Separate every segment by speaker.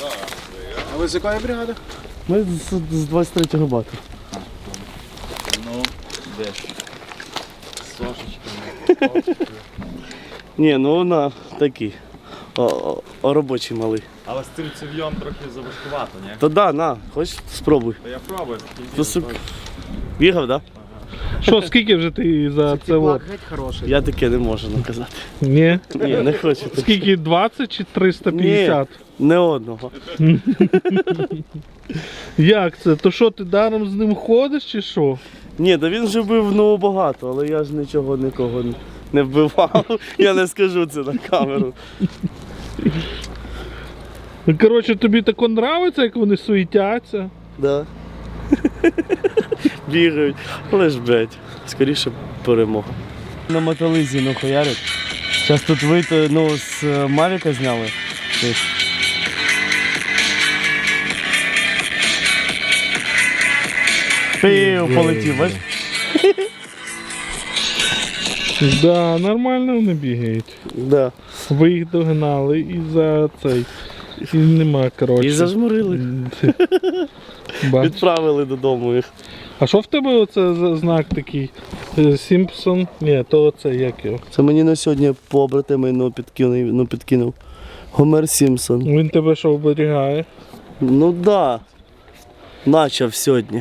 Speaker 1: А ви з якої бригади?
Speaker 2: Ми з 23-го бату.
Speaker 3: Ну, де ж? Сошечками.
Speaker 2: Ні, ну вона такий. Робочий малий.
Speaker 3: Але з цим цев'єм трохи заважкувато, ні?
Speaker 2: Та да, на, хочеш спробуй.
Speaker 3: Та я пробую.
Speaker 2: Бігав, так?
Speaker 4: Що, скільки вже ти за це от?
Speaker 1: Геть хороший.
Speaker 2: Я таке не можу наказати.
Speaker 4: Ні?
Speaker 2: Ні, не хочу.
Speaker 4: Скільки, 20 чи 350?
Speaker 2: Не одного.
Speaker 4: Як це? То що, ти даром з ним ходиш чи що?
Speaker 2: Ні, та він вже бив ну багато, але я ж нічого нікого не вбивав. Я не скажу це на камеру.
Speaker 4: Ну, коротше, тобі тако нравиться, як вони суетяться?
Speaker 2: Да. Бігають. Але ж, блядь, скоріше перемога. На мотолизі нахуярять. Зараз тут вийти, ну, з Мавіка зняли. Пів полетів, бачиш?
Speaker 4: Да, нормально вони бігають.
Speaker 2: Да.
Speaker 4: Ви їх догнали і за цей. І нема, коротше.
Speaker 2: І зажмурили.
Speaker 4: Бач.
Speaker 2: Відправили додому їх.
Speaker 4: А що в тебе оце за знак такий? Сімпсон? Ні, то оце як його.
Speaker 2: Це мені на сьогодні побратими підкинув. Гомер Сімпсон.
Speaker 4: Він тебе що оберігає?
Speaker 2: Ну да. Начав сьогодні.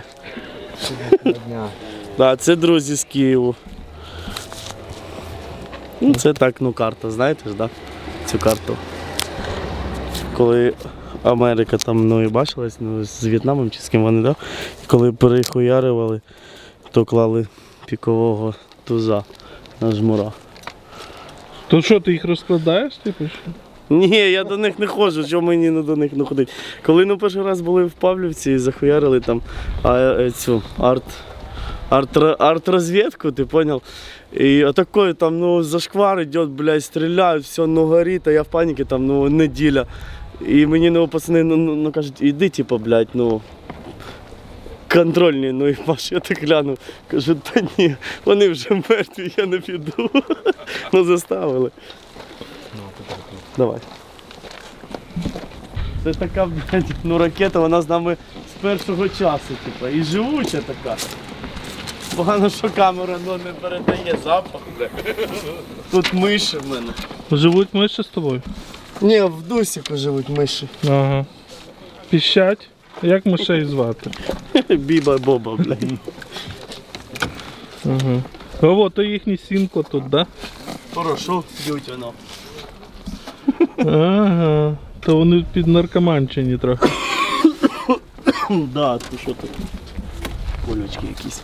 Speaker 2: Да, це друзі з Києву. Ну, це так, ну карта, знаєте ж, да? Цю карту. Коли Америка там, ну і бачилась, ну, з В'єтнамом чи з ким вони, да? Коли перехуярювали, то клали пікового туза на жмура.
Speaker 4: То що, ти їх розкладаєш, типу? Що?
Speaker 2: Ні, я до них не ходжу, що мені не до них не ходить. Коли ну, перший раз були в Павлівці і захуярили там цю арт-розвідку, ти понял? І отакой там, ну, зашквар идет, блядь, стріляють, все, ну, горить, а я в паніці, там, ну, неділя. І мені, ну, пацани, ну кажуть, іди, типу, блядь, ну, контрольні, ну, і Маш, я так глянув, кажу, та ні, вони вже мертві, я не піду. Ну, заставили. Давай. Це така, блядь, ну, ракета, вона з нами з першого часу, типу, і живуча така. Погано, що камера, ну, не передає запах, блядь. Тут миші в мене.
Speaker 4: Живуть миші з тобою?
Speaker 2: Ні, в Дусіку живуть миші.
Speaker 4: Ага. Піщать? Як мишей звати?
Speaker 2: Біба-боба, блядь.
Speaker 4: Ага. О, то їхній сімко тут, да?
Speaker 2: Хорошо, б'ють воно.
Speaker 4: Ага. То вони під наркоманчині трохи.
Speaker 2: Да, то що тут? Колючки якісь.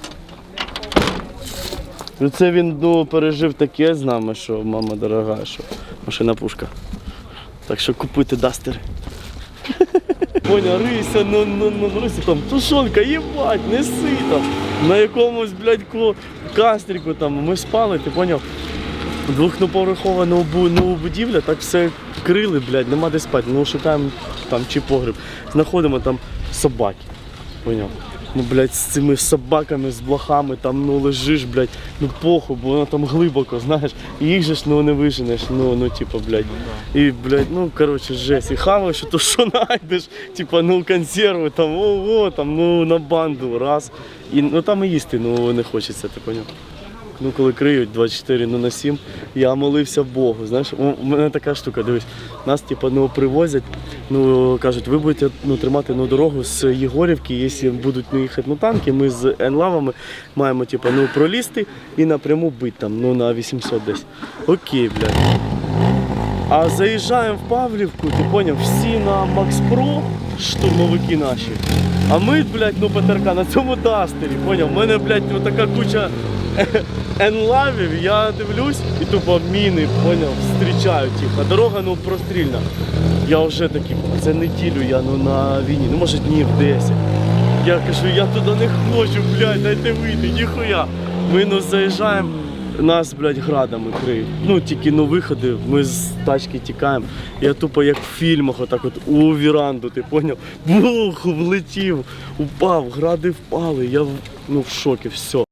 Speaker 2: Ну це він, ну, пережив таке з нами, що мама дорога, що машина пушка. Так що купуйте дастери. Поня, рися, рися там, тушонка, їбать, неси там. На якомусь, блядь, кастріку там, ми спали, ти поняв? Двохповерхова нову будівля, так все крили, блядь, нема де спати. Ну шукаємо там чи погреб. Знаходимо там собаки. Поняв? Ну, блядь, з цими собаками, з блохами, там, ну, лежиш, блядь, ну, похуй, бо воно там глибоко, знаєш, і їх же ж, ну, не виженеш, ну, типа, блядь, і, блядь, ну, коротше, жесть, і хаваєш, то що знайдеш, типа, ну, консерви, там, ого, там, ну, на банду, раз, і, ну, там і їсти, ну, не хочеться, ти поняв? Ну, коли криють 24/7, я молився Богу, знаєш, у мене така штука, дивись, нас, типу, ну, привозять, ну, кажуть, ви будете, ну, тримати, ну, дорогу з Єгорівки, якщо будуть, ну, їхати, ну, танки, ми з енлавами маємо, типу, ну, пролізти і напряму бити там, ну, на 800 десь. Окей, блядь. А заїжджаємо в Павлівку, ти поняв, всі на Макс Про, штурмовики наші, а ми, блядь, ну, ПТРК на цьому дастері, поняв, у мене, блядь, ну, така куча енлавів, я дивлюсь і тупо міни, поняв, зустрічають їх, а дорога, ну, прострільна. Я вже такий, це неділю я, ну, на війні, ну, може, днів 10. Я кажу, я туди не хочу, блядь, дайте вийти, ніхуя. Ми, ну, заїжджаємо, нас, блядь, градами криють. Ну, тільки, ну, виходи, ми з тачки тікаємо. Я тупо, як в фільмах, отак от у віранду, ти поняв? Бух, влетів, упав, гради впали, я, ну, в шокі, все.